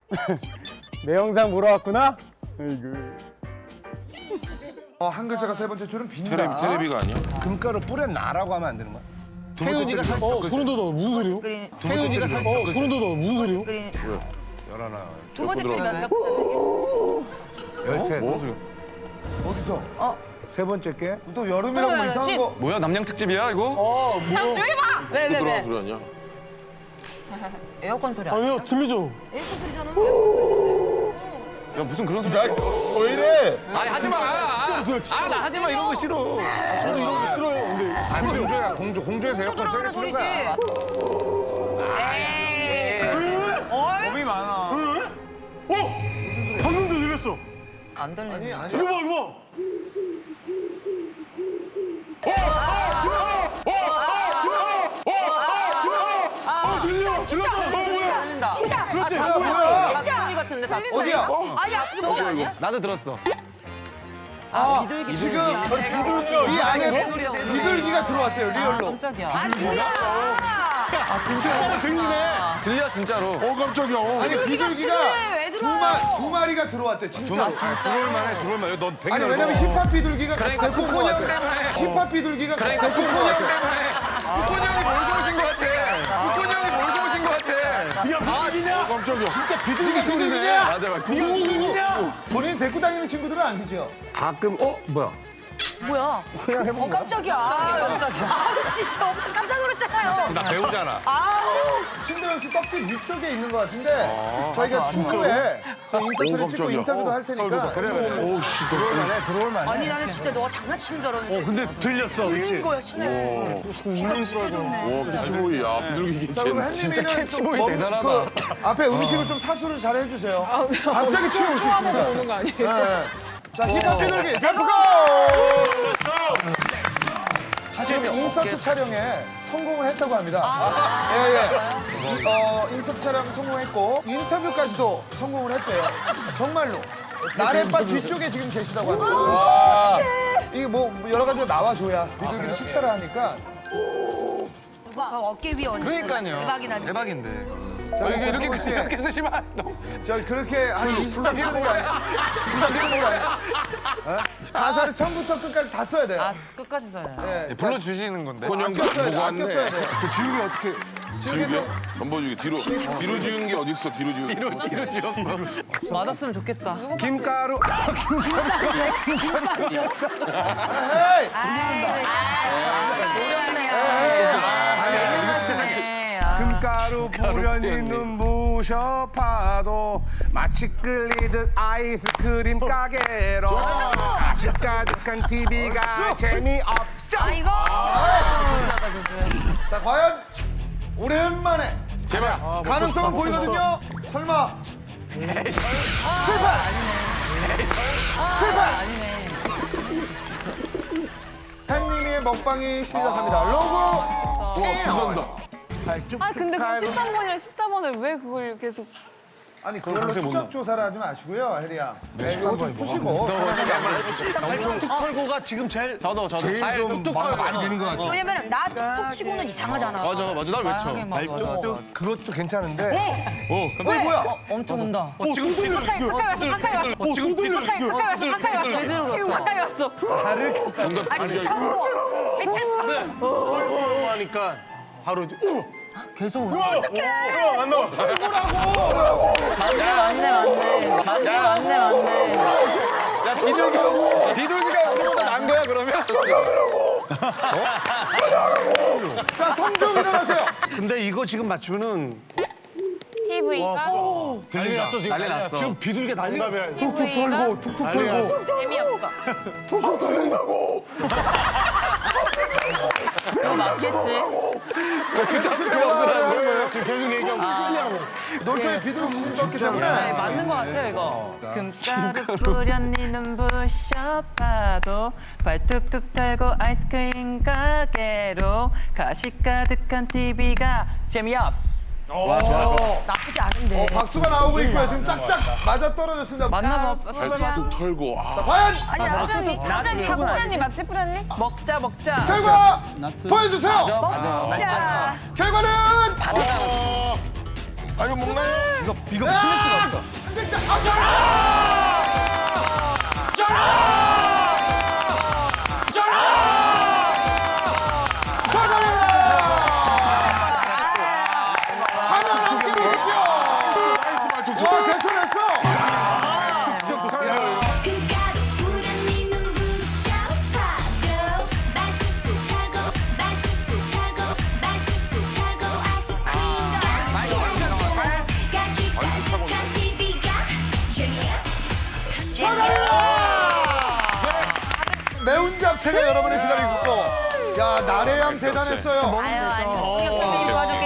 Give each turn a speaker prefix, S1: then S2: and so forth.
S1: 내 영상 보러 왔구나? 아이고.
S2: 한 글자가 세 번째 줄은 빈다.
S3: 테레비가 아니야?
S4: 금가루 뿌려놔라고 하면 안 되는 거야? 세윤이가 살
S1: 소름 돋아. 무슨 소리요?
S4: 세윤이가 살
S1: 소름 돋아. 무슨 소리요?
S4: 열하나
S5: 두 번째 줄이 몇
S4: 열셋
S2: 어디서?
S4: 세 번째 게
S2: 또 여름이라고 뭐 이상한 거.
S6: 뭐야 남양 특집이야 이거?
S5: 형 조용히 봐!
S3: 들어간
S5: 네네네.
S3: 소리 아니야?
S5: 에어컨 소리 아니야?
S1: 아니요, 들리죠?
S5: 에어컨 소리잖아.
S6: 야 무슨 그런 소리?
S3: 야, 왜 이래?
S6: 아니 하지 마. 아나 하지 마 이런 거 싫어.
S1: 저도 이런 거 싫어요. 근데
S4: 아니 공조야 공조에서 에어컨 세게
S5: 들어가는
S4: 틀는 거야.
S5: 어이?
S4: 겁이 많아.
S1: 방금도 들렸어.
S5: 안 들리네.
S2: 아니.
S1: 이거 봐, 이거 봐.
S5: 들린다. 진짜.
S1: 그렇지.
S2: 야, 뭐야?
S5: 소리 같은데 다.
S2: 어디야?
S5: 아니야. 소리 아니야?
S6: 나도 들었어.
S5: 아, 비둘기.
S2: 지금 이 안에 비둘기가 들어왔대요, 리얼로.
S5: 깜짝이야. 아, 뭐야? 아, 진짜.
S6: 들려 진짜로.
S3: 깜짝이야.
S2: 아니, 비둘기가
S5: 왜 들어와요?
S2: 두 마리가 들어왔대, 진짜.
S4: 들어올만해. 넌 되게
S2: 아니,
S4: 넓어.
S2: 왜냐면 힙합 비둘기가 같이 데리고 온 거 같아. 힙합 비둘기가 같이 데리고 온 거 같아.
S6: 후콘이 형이 몰고 오신 것 같아. 후콘이 형이 몰고 오신 것 같아.
S1: 야, 비둘기냐?
S3: 깜짝이야.
S1: 진짜 비둘기
S2: 비둘기냐?
S6: 맞아 맞아.
S1: 비둘기냐?
S2: 본인 데리고 다니는 친구들은 아니죠?
S4: 가끔 뭐야?
S5: 뭐야?
S4: 그냥 해본 거야?
S5: 깜짝이야. 깜짝이야. 아, 진짜 엄마 깜짝 놀랐잖아요.
S4: 나 배우잖아.
S5: 아우.
S2: 신도영 씨 떡집 위쪽에 있는 것 같은데 저희가 추후에 저 인서트를 찍고
S3: 깜짝이야.
S2: 인터뷰도 할 테니까
S4: 들어올만해.
S5: 아니 나는 진짜 너가 장난치는 줄 알았는데.
S1: 근데 들렸어,
S5: 들린
S1: 그치?
S5: 거야 진짜. 귀가 진짜 좋네.
S3: 와, 캐치보이. 야, 비둘기
S2: 자 그럼
S3: 괜찮네.
S2: 햇님이는
S6: 캐치보이 대단하다.
S2: 그 앞에 음식을 좀 사수를 잘 해주세요. 갑자기 튀어올 수 있습니다. 오는 거 아니에요? 네. 자 힙합 비둘기 뱀프고! 사실 인서트 촬영에 성공을 했다고 합니다. 예. 인서트 촬영 성공했고 인터뷰까지도 성공을 했대요. 정말로. 나래바 뒤쪽에 지금 계시다고 합니다. 이게 뭐 여러 가지가 나와줘야 비둘기는 식사를 하니까.
S5: 저 어깨 위에 얹는
S6: 그러니까요.
S5: 대박이나.
S6: 대박인데.
S2: 자,
S6: 이렇게
S2: 혹시
S6: 이렇게 쓰시면 안 돼.
S2: 저 그렇게 한 20장 쓰는 거 아니야? 20장 쓰는 거 아니야? 가사를 처음부터 끝까지 다 써야 돼요.
S5: 끝까지 써야 돼.
S2: 네,
S6: 불러주시는 건데.
S3: 콘형
S2: 아껴 써야 돼.
S3: 보고
S2: 아껴 써야
S3: 왔네.
S2: 돼.
S4: 그 지우개 어떻게?
S3: 지우개? 덤버주기. 뒤로 지우는 게 어딨어, 뒤로 지우는 게.
S6: 뒤로 지었어.
S5: 맞았으면 좋겠다.
S4: 김가루.
S2: 헤이!
S4: 금가루 뿌려니 눈부셔 파도 마치 끌리듯 아이스크림 가게로 가식 가득한 TV가 재미없어.
S5: 아이고.
S2: 자, 과연 오랜만에
S6: 제발.
S2: 가능성은 보이거든요. 설마 실패! 햇님이의 먹방이 시작합니다. 로고!
S3: 와, 부산다.
S7: 아 근데 그럼 13번이랑 14번을 왜 그걸 계속
S2: 아니 그걸로 추적 조사를 하지 마시고요, 혜리 양. 네, 이거 좀 푸시고.
S1: 털고가 지금 제일
S6: 저도
S4: 제일 좀 많이 되는 것 같아.
S5: 왜냐면 나 툭툭 치고는 이상하잖아.
S6: 맞아 날 외쳐.
S4: 그것도 괜찮은데.
S2: 뭐야?
S5: 엄청 온다.
S1: 지금 들려.
S7: 가까이 왔어 가까이 왔어
S1: 지금 들려.
S7: 가까이 왔어 가까이 왔어
S5: 제대로
S7: 지금
S5: 왔어.
S7: 가까이 왔어
S3: 정답
S5: 아 진짜
S1: 털고 하니까 바로 이제
S5: 계속 오네.
S1: 안 나와.
S5: 맞네.
S6: 야 비둘기가 여기보다 난 거야 그러면?
S2: 자, 성종 일어나세요.
S1: 근데 이거 지금 맞추면은
S7: TV가
S1: 난리 났죠 지금.
S6: 난리 났어.
S1: 지금 비둘기 난리가.
S2: 툭툭 털고, 툭툭 털고.
S7: 재미없어
S2: 툭툭 털린다고.
S5: 그거 맞겠지?
S2: 계속 대화를 하는 거예요.
S1: 지금 계속 얘기하고 끌리하고.
S2: 놀토의 비둘기 수준 떴기
S5: 네,
S2: 때문에.
S5: 맞는 것 같아요 이거. 금가루 뿌렸니 눈부셔 파도 발 툭툭 털고 아이스크림 가게로 가식 가득한 TV가 재미없어. 나쁘지 않은데.
S2: 박수가 나오고 있고요. 지금 짝짝 맞아 떨어졌습니다.
S5: 맞나 봐.
S3: 툭 털고.
S2: 자, 과연
S5: 아니야.
S7: 뿌렸니 자꾸 뿌렸니 막지 뿌렸니?
S5: 먹자.
S2: 결과 보여주세요.
S5: 자.
S2: 결과는
S3: 아, 이거 먹나요?
S4: 이거 틀릴 수가 없어.
S2: 와, 됐어, 됐어.
S8: 금가루 뿌려니 눈부셔 파도 말투투 타고 말투투 타고 말투투 타고 아이스크림 가시까지 TV가
S2: 매운 잡채가 여러분을 기다리고 있어. 야, 나래양 대단했어요.
S5: 아유, 아니, 공격 선생님 도와줘서